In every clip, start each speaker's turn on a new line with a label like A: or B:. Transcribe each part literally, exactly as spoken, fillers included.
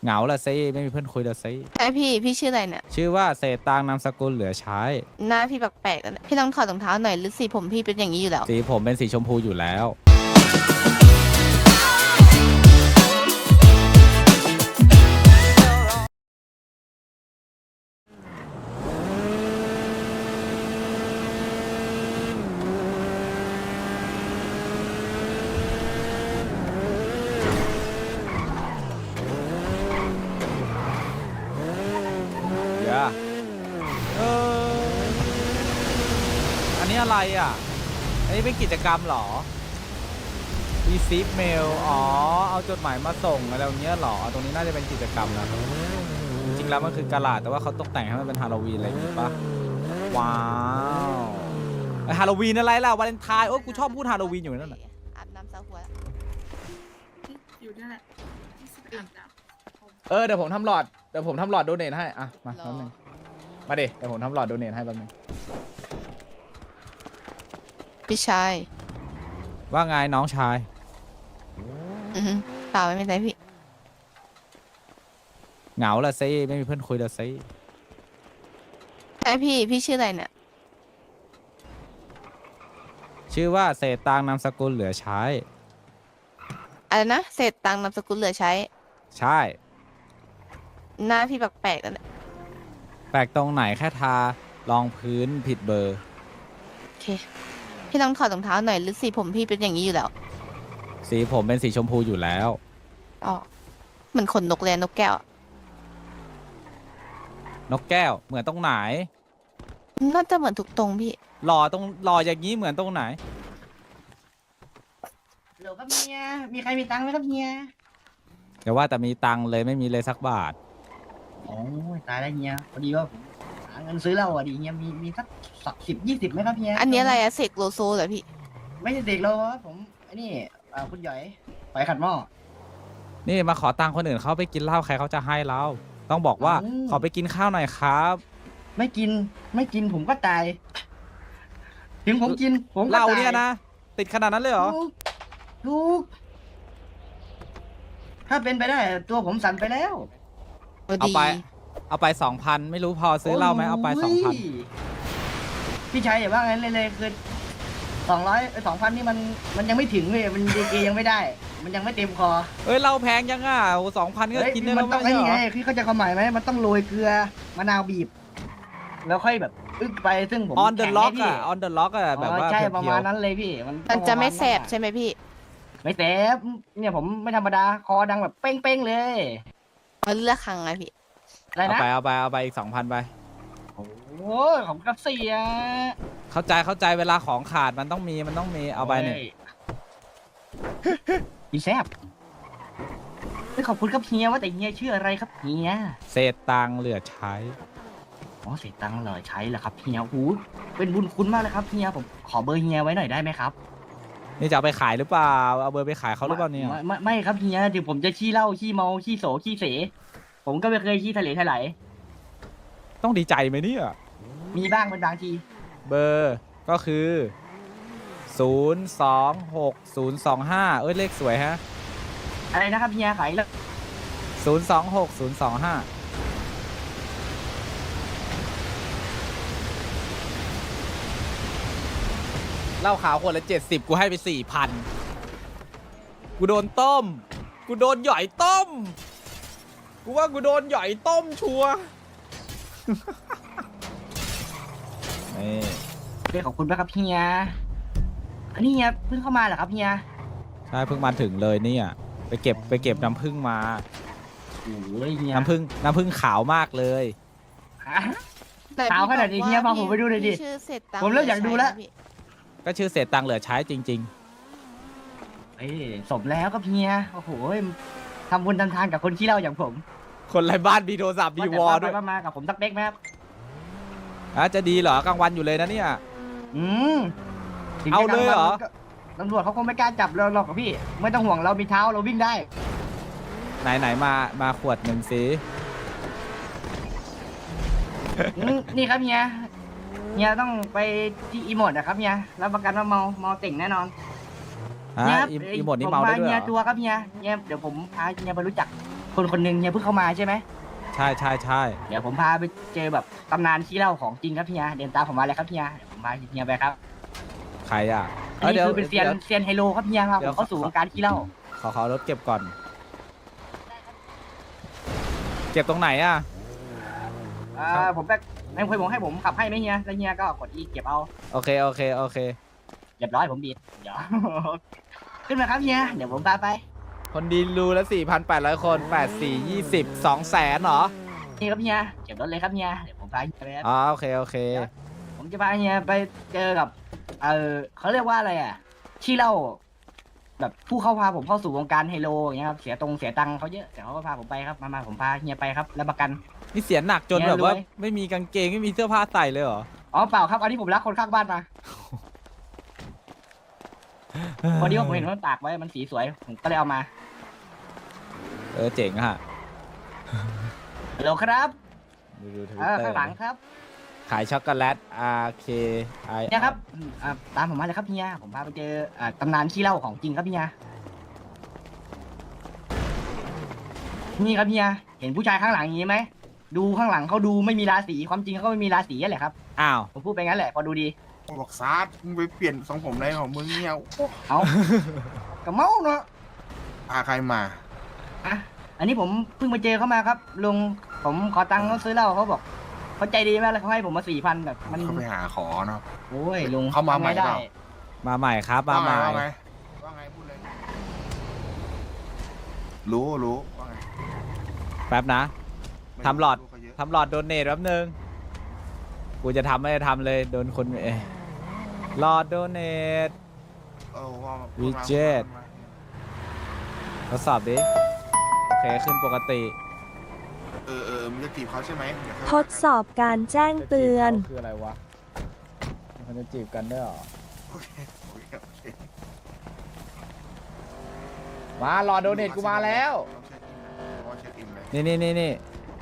A: เหงาละซิไม่มีเพื่อนคุยละซิ
B: ใช่พี่พี่ชื่ออะไรเนี่ย
A: ชื่อว่าเศษตังค์นามสกุลเหลือใช้
B: หน้าพี่แปลกๆแล้วเนี่ยพี่ต้องถอดรองเท้าหน่อยหรือสีผมพี่เป็นอย่างนี้อยู่แล้ว
A: สีผมเป็นสีชมพูอยู่แล้วเดี๋ยวเอออันนี้อะไรอ่ะอันนี้เป็นกิจกรรมเหรอ receive mail อ๋อเอาจดหมายมาส่งอะไรอย่างเงี้ยเหรอตรงนี้น่าจะเป็นกิจกรรมนะครับจริงๆแล้วมันคือกะลาดแต่ว่าเขาตกแต่งให้มันเป็นฮาโลวีนอะไรอย่างงี้ปะว้าวไอฮาโลวีนอะไรล่ะวาเลนไทน์โอ้กูชอบพูดฮาโลวีนอยู่นั่นแหละ
B: อาบน้ำซาหัวแล้ว
C: อยู่นั่นแหละที่สิบอาบน้ำ
A: เออเดี๋ยวผมทำหลอดเดี๋ยวผมทำหลอดโดเนทให้อ่ะมาแป๊บนึงมาดิเดี๋ยวผมทำหลอดโดเนทให้แป๊บนึง
B: พี่ชาย
A: ว่าไงน้องชาย
B: อือหือเปล่าไม่เป็นไรพี่
A: เหงาละซิไม่มีเพื่อนคุยละซิ
B: ใช่พี่พี่ชื่ออะไรเนี่ย
A: ชื่อว่าเศษตังค์นามสกุลเหลือใช้
B: อะไรนะเศษตังค์นามสกุลเหลือใช้
A: ใช่
B: หน้าพี่แปลกๆแล้วเนี่ย
A: แปลกตรงไหนแค่ทารองพื้นผิดเบอร์
B: โอเคพี่ต้องถอดรองเท้าหน่อยหรือสีผมพี่เป็นอย่างนี้อยู่แล้ว
A: สีผมเป็นสีชมพูอยู่แล้ว
B: อ๋อเหมือนขนนกเลยนกแก้ว
A: นกแก้วเหมือนตรงไหน
B: น่าจะเหมือนทุกตรงพี่
A: หล่อตรงหล่ออย่างนี้เหมือนตรงไหน
D: ฮัลโหลครับเฮีย มีใครมีตังค์ไหมครับเฮีย
A: เดี๋ยวว่าแต่มีตังค์เลยไม่มีเลยสักบาท
D: โอ้ยตายแล้วเฮีย พอดีว่าผมหาเงินซื้อเหล้าอ่ะดิเฮีย มีมีสักสิบยี่สิบไหมครับเฮีย
B: อันนี้อะไรอะเสกโลโซเหรอพี่
D: ไม่ใช่เด็กเราครับผมไอ้นี่อ่าคุณหยอยปล่อยขัดหม้อ
A: นี่มาขอตังค์คนอื่นเขาไปกินเหล้าใครเขาจะให้เรา ต้องบอกว่า
D: อืม
A: ขอไปกินข้าวหน่อยครับ
D: ไม่กิน ไม่กินผมก็ตาย ถึงผมกิน ผมก็
A: เหล้า
D: ตาย
A: เนี่ยนะ ติดขนาดนั้นเลยเหรอ
D: ถูกถูกถ้าเป็นไปได้ ตัวผมสั่นไปแล้ว
A: เอาไป เอาไปสองพันไม่รู้พอซื้อเหล้าไหมเอาไปสองพัน
D: โยพี่ชายอย่าว่างั้นเลยเลยคือสองร้อยสองพันนี่มันมันยังไม่ถึงเลยมันดีเกยังไม่ได้ มันยังไม่เต็มคอ
A: เอ้ยเหล้าแพงยังอ่ะโอ้สองพันก็
D: เฮ้ย
A: กินได้
D: มั
A: แล้ว
D: ต้อง
A: ไม่
D: ไอ้
A: ใช่
D: นี่
A: เหร
D: ไง
A: อ
D: พี่เข้าใจความหมายไหมมันต้องโรยเกลือมะนาวบีบ แล้วค่อยแบบอึกไปซึ่งผม
A: ออนเดอะ
D: แข่ง
A: ล็อก
D: ให้พี่
A: อ่ะออนเดอะล็อกอ่ะแบบว่า
D: อ๋อใช่
A: เพียว
D: ประมาณนั้นเลยพี่มัน
B: มันจะไม่
D: ประาณ
B: แสบใช่ไหมพี่
D: ไม่แสบเนี่ยผมไม่ธรรมดาคอดังแบบเป้งๆเลย
B: มันเลือกครั้งไงพี่
D: อะไร
A: เอา
D: นะ
A: ไปเอาไปเอาไปอีกสองพันไป
D: โอ้ยของกระเสีย
A: เข้าใจเข้าใจเวลาของขาดมันต้องมีมันต้องมีเอาไปเนี่ย
D: โยอีแซบเฮ้ยขอบคุณครับเฮียว่าแต่เฮียชื่ออะไรครับเฮีย
A: เศษตังค์เหลือใช้
D: อ๋อเสียตังค์เลยใช้เหรอครับเฮียโอ้โหเป็นบุญคุณมากเลยครับเฮียผมขอเบอร์เฮียไว้หน่อยได้ไหมครับ
A: นี่จะเอาไปขายหรือเปล่าเอาเบอร์ไปขายเขาหรือเปล่าเนี่ย
D: ไม่ไม่ไม่ครับเฮียถึงผมจะขี้เหล้าขี้เมาขี้โสขี้เส ผมก็ไม่เคยขี้ทะเลทลาย
A: ต้องดีใจไหมเนี่ย
D: มีบ้างเป็นบางที
A: เบอร์ก็คือศูนย์สองหกศูนย์สองห้าเอ้ยเลขสวยฮะ
D: อะไรนะครับเฮียขายแล้ว
A: ศูนย์สองหกศูนย์สองห้าเหล้าขาวขวดละเจ็ดสิบกูให้ไปสี่พันกูโดนต้ม กูโดนหย่อยต้ม กูว่ากูโดนหย่อยต้มชัวร์ นี่
D: เฮ้ยขอบคุณมากครับเฮียอันนี้เฮียเพิ่งเข้ามาเหรอครับเฮีย
A: ใช่เพิ่งมาถึงเลยเนี่ยไปเก็บไปเก็บน้ำผึ้งมา
D: โอ้ยเฮีย
A: น้ำผึ้งน้ำผึ้งขาวมากเลย
D: ฮะ ขาวขนาดนี้เฮียพาผมไปดูหน่อยดิ
B: พี่ชื่อเศษตังค์
D: ผมเริ่มอยากดูแล้ว
B: เหอใช้นะพี่
A: ก็ชื่อเศษตังค์เหลือใช้จริง
D: เอ้ยสมแล้วครับเฮียโอ้โหทำบุญทำทานกับคนขี้เหล้าอย่างผม
A: ๆ คนไร้บ้านมีโทรศัพท์มีวอลด้วย
D: าแต่มากับผมสักเป๊กไหมครับ
A: อ่ะจะดีเหรอกลางวันอยู่เลยนะเนี่ย
D: อืมถึง
A: เอา
D: จะ
A: เลยเหรอ
D: กลางวันก็ตำรวจเขาคงไม่กล้าจับเราหรอกครับพี่ ไม่ต้องห่วงเรามีเท้าเราวิ่งได้
A: ไหนไหนมามาขวดหนึ่งสิ
D: อืมนี่ครับเฮียเฮียต้องไปที่อีโมดนะครับเฮียรับประกันว่าเมาเมาเต่งแน่นอน
A: ฮะ
D: เฮียครับ
A: อี
D: เอ้ย
A: อีหมดนี่
D: ผ
A: เมาได้ด้วย
D: เฮี
A: เหร
D: ย
A: อ
D: ตัวครับเฮียเฮียเดี๋ยวผมพาเฮียไปรู้จักคนคนหนึ่งเฮียเพิ่งเข้ามาใช่ไหม
A: ใช่ใช่ใช่
D: เดี๋ยวผมพาไปเจอแบบตำนานขี้เหล้าของจริงครับเฮียเดินตามผมมาเลยครับเฮียเดี๋ยวผมพาเฮียไปครับ
A: ใครอ่ะ
D: อันนี้
A: ดี๋ยว
D: คือเป็นเซียน
A: ดี๋ยว
D: เซียนไฮโลครับเฮียครับ
A: เดี๋
D: ผ
A: ยว
D: มเข้าสู่วงการขี้เหล้า
A: ขอขอรถเก็บก่อน เก็บตรงไหนอ่ะ
D: อ่าผมแบบไม่เคยผมให้ผมขับให้ไหมเฮียแล้วเฮียก็กดอีเก็บเอา
A: โอเคโอเคโอเค
D: เรียบร้อยผมบีดเดี๋ยว ขึ้นมาครับเฮียเดี๋ยวผมพาไป
A: คนดีรูละสี่พันแปดร้อยคนแปดสี่ยี่สิบสองแสนเหรอ
D: นี่ครับเฮียเก็บรถเลยครับเฮียเดี๋ยวผมพาเฮียไปครับ
A: อ๋อโอเคโอเค
D: ผมจะพาเฮียไปเจอกับเออเขาเรียกว่าอะไรอ่ะขี้เหล้าแบบผู้เข้าพาผมเข้าสู่วงการไฮโลอย่างเงี้ยครับเสียตรงเสียตังค์เขาเยอะแต่เขาก็พาผมไปครับมามาผมพาเฮียไปครับรับประกัน
A: นี่เสียหนักจน
D: เนี่ย
A: แบบว่าร
D: วย
A: ไม่มีกางเกงไม่มีเสื้อผ้าใส่เลยเหรอ
D: อ๋อเปล่าครับอันนี้ผมรักคนข้างบ้านมาพอดีว่าผมเห็นมันตากไว้มันสีสวยผมก็เลยเอามา
A: เออเจ๋งอะ
D: ฮัลโหลครับ
A: ดูดูทวิ
D: อ่า
A: ตเตอ
D: ข้าง
A: ร์
D: หลังครับ
A: ขายช็อกโกแลต R K I
D: เนี่ยครับอืมอ่าตามผมมาเลยครับเฮียผมพาไปเจออ่าตำนานขี้เหล้าของจริงครับเฮียนี่ครับเฮียเห็นผู้ชายข้างหลังอย่างนี้ไหมดูข้างหลังเขาดูไม่มีราศีความจริงเขาก็ไม่มีราศีนั่นแหละครับ
A: อ้าว
D: ผมพูดไปงั้นแหละพอดูดี
E: บอกซาร์มึงไปเปลี่ยนทรงผมอะไรของมึงเนี่ยโอ้
D: เอากระเมาเนาะ
E: พาใครมา
D: อ่ะอันนี้ผมเพิ่งมาเจอเขามาครับลุงผมขอตังค์เขาซื้อเหล้าเขาบอกเขาใจดีมากเลยเขาให้ผมมาสี่พันแบบมัน
E: เขาไปหาขอเนาะ
D: โอ้ยลุง
E: เขามาใหม่
D: ทำไได้
E: เปล่า
A: มาใหม่ครับมาใหม่
E: ว่าไงว่าไงพูดเลย รู้รู้ว่าไง
A: แป๊บนะ
E: ไม่
A: ทำหลอด
E: รู้เขาเยะ
A: ทำหลอดโดเนทแป๊บนึง กูจะทำไม่ได้ทำเลยโดนคนเอยหลอดโดเนท
E: เออว่ามา
A: วิเจ็ต ทดสอบดิ โอเคขึ้นปกติ
E: เออเออมึงจะจีบเขาใช่ไหมเดี๋ยว
F: ทดสอบการแจ้งเตือน
A: คืออะไรวะ มันจะจีบกันได้หรอ
E: โอเคโอเคโอเค
A: มาหลอดโดเนทกูมาแล้ว
E: ต้องเช็คอินนะเพราะว่าเช็คอินเลย
A: นี่นี่นี่นี่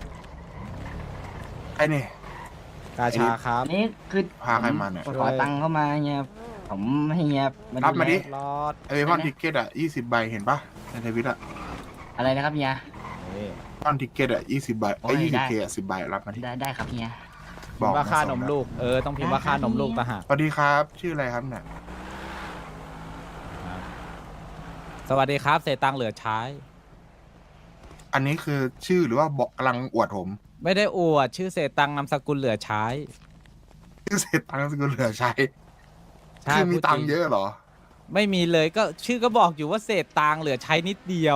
E: ไอ้นี่
A: กาชาครับ
D: อันนี้คือ
E: พาใครมาเนี่ย
D: ผมขอตังค์เข้ามาเฮียผมให้เฮีย
E: รับมาดิ
A: หลอด
E: ไอ้พอนทิกเก็ตอ่ะยี่สิบใบเห็นปะในทวิตอ่ะ
D: อะไรนะครับเฮีย
A: นี่
E: พอนทิกเก็ตอ่ะยี่สิบใบ
D: โอ้
E: ไอ้
D: ย
E: ยี่สิบ
D: ได้
E: เคอ่ะสิบใบรับมาที่
D: ได้ได้ครับเฮีย
A: พิมพ์ว่าค่า
E: ส่
A: น
E: ง
A: ม
E: นะ
A: ลูก เออ ต้องพิมพ์ว่าค่านมลูกต่างหาก
E: สวัสดีครับ ชื่ออะไรครับเนี่ย
A: สวัสดีครับ เศษตังค์เหลือใช้
E: อันนี้คือชื่อหรือว่าบอกกำลังอวดผม
A: ไม่ได้อวด ชื่อเศษตังค์นามสกุลเหลือใช้
E: ชื่อเศษตังค์สกุลเหลือใช้
A: ใช่
E: คือมี
A: พูดจริ
E: ตังค์เยอะเหรอ
A: ไม่มีเลยก็ชื่อก็บอกอยู่ว่าเศษตังค์เหลือใช้นิดเดียว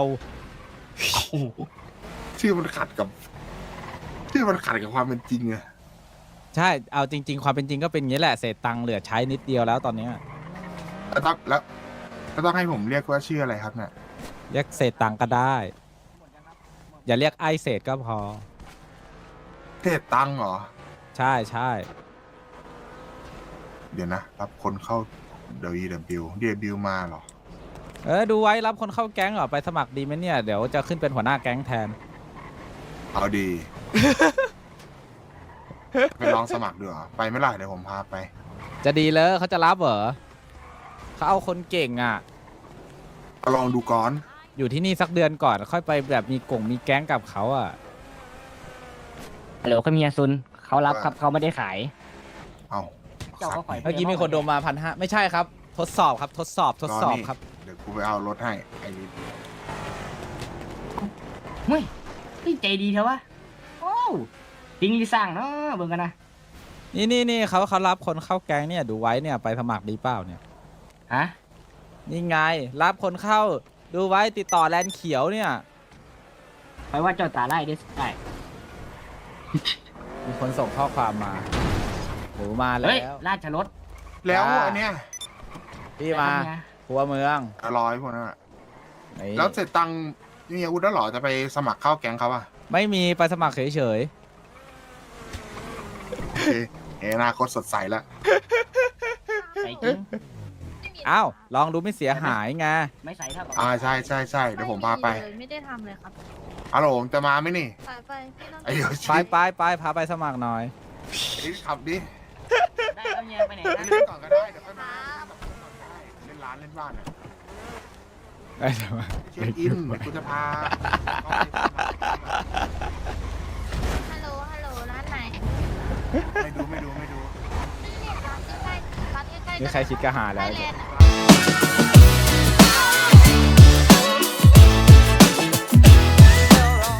E: ชื่อมันขัดกับ ชื่อมันขัดกับความเป็นจริงอะ
A: ใช่ เอาจริง ๆ ความเป็นจริงก็เป็นอย่างนี้แหละ เศษตังค์เหลือใช้นิดเดียวแล้วตอนเนี้ย
E: แล้วต้องแล้วแล้วต้องให้ผมเรียกว่าชื่ออะไรครับเนี่ย
A: เรียกเศษตังค์ก็ได้ อย่าเรียกไอเศษก็พอ
E: เศษตังค์เหรอ
A: ใช่ใช่
E: เดี๋ยวนะ รับคนเข้า เดวีเดบิวเดบิวมาเหรอ
A: เออดูไว้รับคนเข้าแก๊งเหรอไปสมัครดีไหมเนี่ย เดี๋ยวจะขึ้นเป็นหัวหน้าแก๊งแทน
E: เอาดี ไปลองสมัครดูเหรอไปไม่ล่ะเดี๋ยวผมพาไป
A: จะดีเลยเขาจะรับเหรอเขาเอาคนเก่งอ่ะ
E: ลองดูก่อน
A: อยู่ที่นี่สักเดือนก่อน ค่อยไปแบบมีกลุ่มมีแก๊งกับเขาอ่ะ
D: ฮัลโหลครับเฮียซุนเขารับครับเขาไม่ได้ขาย
E: เอา
D: เจ้าก็ปล่อย
A: เมื่อกี้มีคนโดนมาพันห้าไม่ใช่ครับ ทดสอบครับ ทดสอบทดสอบครับ
E: เดี๋ยวกูไปเอารถให้ไอ้นี่
D: เฮ้ยนี่ใจดีเถอะวะโอ้จริงดีสร้างเนาะเบิ่งกันนะ
A: นี่นี่นี่เขาเขารับคนเข้าแก๊งเนี่ยดูไว้เนี่ยไปสมัครดีเปล่าเนี่ย
D: ฮะ
A: นี่ไง รับคนเข้าดูไว้ติดต่อแลนด์เขียวเนี่ย
D: ไปว่าเจ้าตาไล่ได้ได้
A: มีคนส่งข้อความมาหนูมาแล้
D: เฮ้ยว ราชรถ
E: แล้ว
A: จ้า
E: อันเนี้ย
A: พี่มาหัวเมือง
E: อร่อยพวกนั้นอะ
A: นี่
E: แล้วเสร็จตังค์มีอาวุธแล้วเหรอจะไปสมัครเข้าแก๊งเขาอะ
A: ไม่มีไปสมัครเฉย
E: โอเคเฮ้ยอนาคตสดใสแล้ว
D: ใส่จริง
A: ๆอ้าวลองดูไม่เสียหายไง
D: ไม่ใส่เท่ากับ
E: อ่าใช่ใช่ใช่เดี๋ยวผมพาไป
C: เลยไม่ได้ทำเลยครับ
E: ฮัลโหลจะมาไหมนี่
C: ไปไปพี่ต้อง
E: ไอ้เดี๋ยว
A: ไป
E: ชี้
A: ไปไปพาไปสมัครหน่อย
E: ไอ้ขับดิ
D: ได้แล้วเฮียไปไหน
E: ไป
D: นะ
E: เล่นก่อนก็ได้เดี๋ยวค่อยมาเล่นร้านเล่นบ้านอะ
A: ไอ้จะมา
E: เช็คอินเดี๋ยวกูจะพา
B: ฮัลโหล ฮัลโหล ร้านไหน
E: ไม่ดูไม่ดูไม่ดู
B: นี่เนี่ยร้านใกล้ๆร้านใกล้ๆ
A: นี่ใครคิดกะหาแล้ว
B: ไทยแลนด์อะ